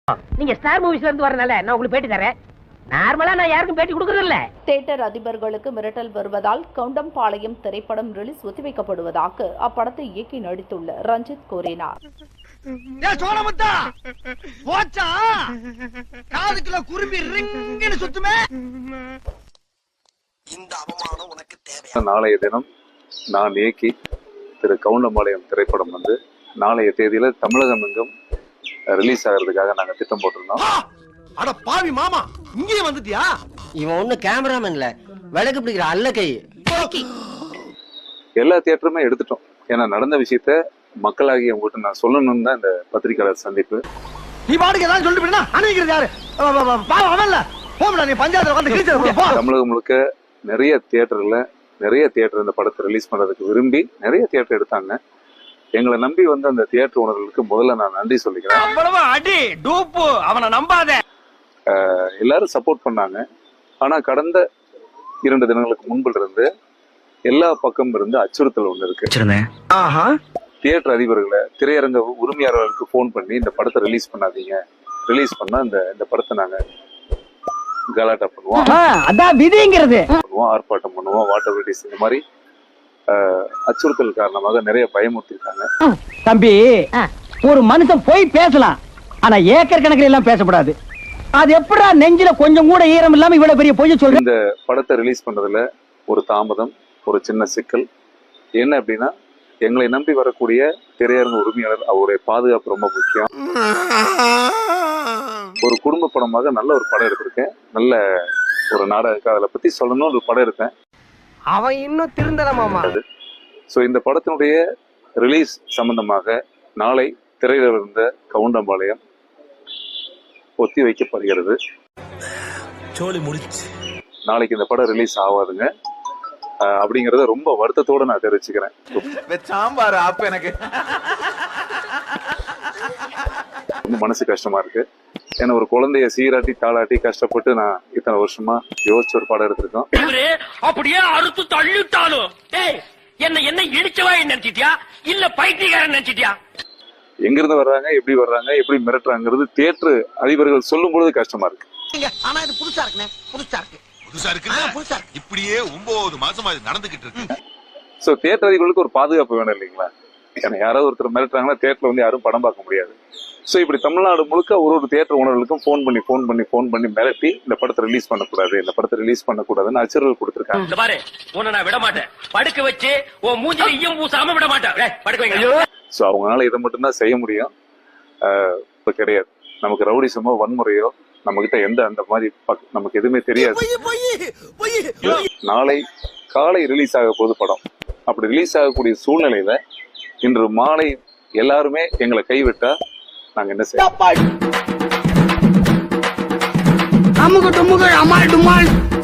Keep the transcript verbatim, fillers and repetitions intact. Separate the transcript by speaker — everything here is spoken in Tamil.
Speaker 1: நீங்க ஸ்டார் மூவிஸ்ல இருந்து வரனால நான் உங்களுக்கு பேட்டி தரேன். நார்மலா நான் யாருக்கும் பேட்டி கொடுக்கறது இல்ல.
Speaker 2: தியேட்டர் அதிபர்களுக்கு மிரட்டல் வருவதால் கவுண்டம்பாளையம் திரைப்படம் ரிலீஸ் ஒத்திவைக்கப்படுவதாக அப்படத்தை இயக்கி நடித்துள்ள ரஞ்சித் கூறினார்.
Speaker 3: நாளைய தினம் நான் இயக்கி திரு கவுண்டம்பாளையம் திரைப்படம் வந்து நாளைய தேதியில தமிழகம் எங்கும் ரிலீஸ் ஆகிறதுக்காக நாங்க திட்டம் போட்டிருந்தோம்.
Speaker 4: அட பாவி மாமா, இங்கே வந்துட்டியா?
Speaker 5: இவன் ஒண்ணு கேமராமேன் இல்ல, விளக்கு பிடிக்கிற அல்ல கை.
Speaker 3: எல்லா தியேட்டருமே எடுத்துட்டோம். ஏன்னா நடந்த விஷயத்த மக்களாகி உங்ககிட்ட நான் சொல்லணும்னு தான் இந்த பத்திரிகையாளர் சந்திப்பு.
Speaker 4: நீ பாட்டுக்கு ஏதாவது சொல்லிட்டு போயினா அணைக்கிறது யாரு? அவன்ல போடா, நீ பஞ்சாயத்துல வந்து கிழிச்சு போ.
Speaker 3: தமிழகம் முழுக்க நிறைய தியேட்டர்ல நிறைய தியேட்டர் இந்த படத்தை ரிலீஸ் பண்றதுக்கு விரும்பி நிறைய தியேட்டர் எடுத்தாங்க. எங்களை நம்பி வந்து அந்த தியேட்டர் ஓனர்களுக்கு முதல்ல நான் நன்றி சொல்லிக்கிறேன்.
Speaker 4: அவ்வளவு அடி டூப்பு, அவனை நம்பாத.
Speaker 3: எல்லாரும் சப்போர்ட் பண்ணாங்க. ஆனா கடந்த இரண்டு தினங்களுக்கு முன்பில் இருந்து எல்லா பக்கம் இருந்து அச்சுறுத்தல் ஒண்ணு இருக்கு. தியேட்டர் அதிபர்களை, திரையரங்க உரிமையாளர்களுக்கு போன் பண்ணி இந்த படத்தை ரிலீஸ் பண்ணாதீங்க, ரிலீஸ் பண்ணா இந்த இந்த படத்தை நாங்க கலாட்டா பண்ணுவோம்,
Speaker 1: அதான் விதிங்கிறது,
Speaker 3: ஆர்ப்பாட்டம் பண்ணுவோம், வாட்டர் வெடிஸ், இந்த மாதிரி அச்சுறுத்தல் காரணமாக நிறைய பயமுறுத்திருக்காங்க.
Speaker 1: தம்பி, ஒரு மனுஷன் போய் பேசலாம், ஆனா ஏக்கர் கணக்கில் எல்லாம் பேசக்கூடாது. அது எப்படா நெஞ்சில கொஞ்சம் கூட ஈரம் இல்லாம இவ்வளவு பெரிய பொய் சொல்ற?
Speaker 3: இந்த படத்தை ரிலீஸ் பண்றதுல ஒரு தாமதம், ஒரு சின்ன சிக்கல் என்ன அப்படின்னா, எங்களை நம்பி வரக்கூடிய திரையரங்க உரிமையாளர் அவருடைய பாதுகாப்பு ரொம்ப முக்கியம். ஒரு குடும்ப படமாக நல்ல ஒரு படம் எடுத்திருக்கேன், நல்ல ஒரு நாடக அதை பத்தி சொல்லணும்னு ஒரு படம் எடுத்தேன்.
Speaker 1: அவன் இன்னும் திருந்தலாமா?
Speaker 3: சோ இந்த படத்தினுடைய ரிலீஸ் சம்பந்தமாக நாளை திரையில இருந்த கவுண்டம்பாளையம் ஒத்தி வைக்கப்படுகிறது. நாளைக்கு இந்த படம் ரிலீஸ் ஆகாதுங்க அப்படிங்கறத ரொம்ப வருத்தத்தோட நான் தெரிவிச்சுக்கிறேன். ரொம்ப மனசு கஷ்டமா இருக்கு. ஏன்னா ஒரு குழந்தைய சீராட்டி தாளாட்டி கஷ்டப்பட்டு நான் இத்தனை வருஷமா யோசிச்சு ஒரு படம் எடுத்திருக்கோம்.
Speaker 6: அப்படியே அறுத்து தள்ளிட்டாலும் என்ன என்ன இடிச்சவா நினைச்சிட்டியா இல்ல பைத்தியக்காரன் நினைச்சிட்டியா?
Speaker 3: எங்க இருந்து வர்றாங்க, எப்படி வர்றாங்க, எப்படி மிரட்டுறாங்கிறது தியேட்டர் அதிபர்கள் சொல்லும் பொழுது கஷ்டமா இருக்கு.
Speaker 4: ஆனா இது புதுசா இருக்குனே, புதுசா இருக்கு, புதுசா இருக்கு, புதுசா இருக்கு. இப்படியே ஒன்பது மாசமா இது நடந்துகிட்டு இருக்கு.
Speaker 3: சோ தியேட்டர் அதிபர்களுக்கு ஒரு பாதுகாப்பு வேணும் இல்லைங்களா? ஏன்னா யாராவது ஒருத்தர் மிரட்டுறாங்கன்னா தியேட்டர்ல வந்து யாரும் படம் பார்க்க முடியாது. சோ இப்படி தமிழ்நாடு முழுக்க ஒரு ஒரு தியேட்டர் ஓனர்களுக்கும் போன் பண்ணி போன் பண்ணி போன் பண்ணி மிரட்டி இந்த படத்தை ரிலீஸ் பண்ணக்கூடாது, இந்த படத்தை ரிலீஸ் பண்ணக்கூடாதுன்னு அச்சுறுத்தல் கொடுத்திருக்காங்க.
Speaker 6: பாரு, உன்னை நான் விட மாட்டேன், படுக்க வச்சு உன் மூஞ்சில ஈயம் பூசாம விட மாட்டேன். படுக்க வைங்க.
Speaker 3: சோ அவங்களால இதை மட்டும்தான் செய்ய முடியும். இப்ப கிடையாது நமக்கு ரவுடிசமோ வன்முறையோ நம்ம கிட்ட எந்த அந்த மாதிரி நமக்கு எதுவுமே தெரியாது. நாளை காலை ரிலீஸ் ஆக போது படம். அப்படி ரிலீஸ் ஆகக்கூடிய சூழ்நிலையில இன்று மாலை எல்லாருமே எங்களை கைவிட்டா நாங்க என்ன செய்யணும்?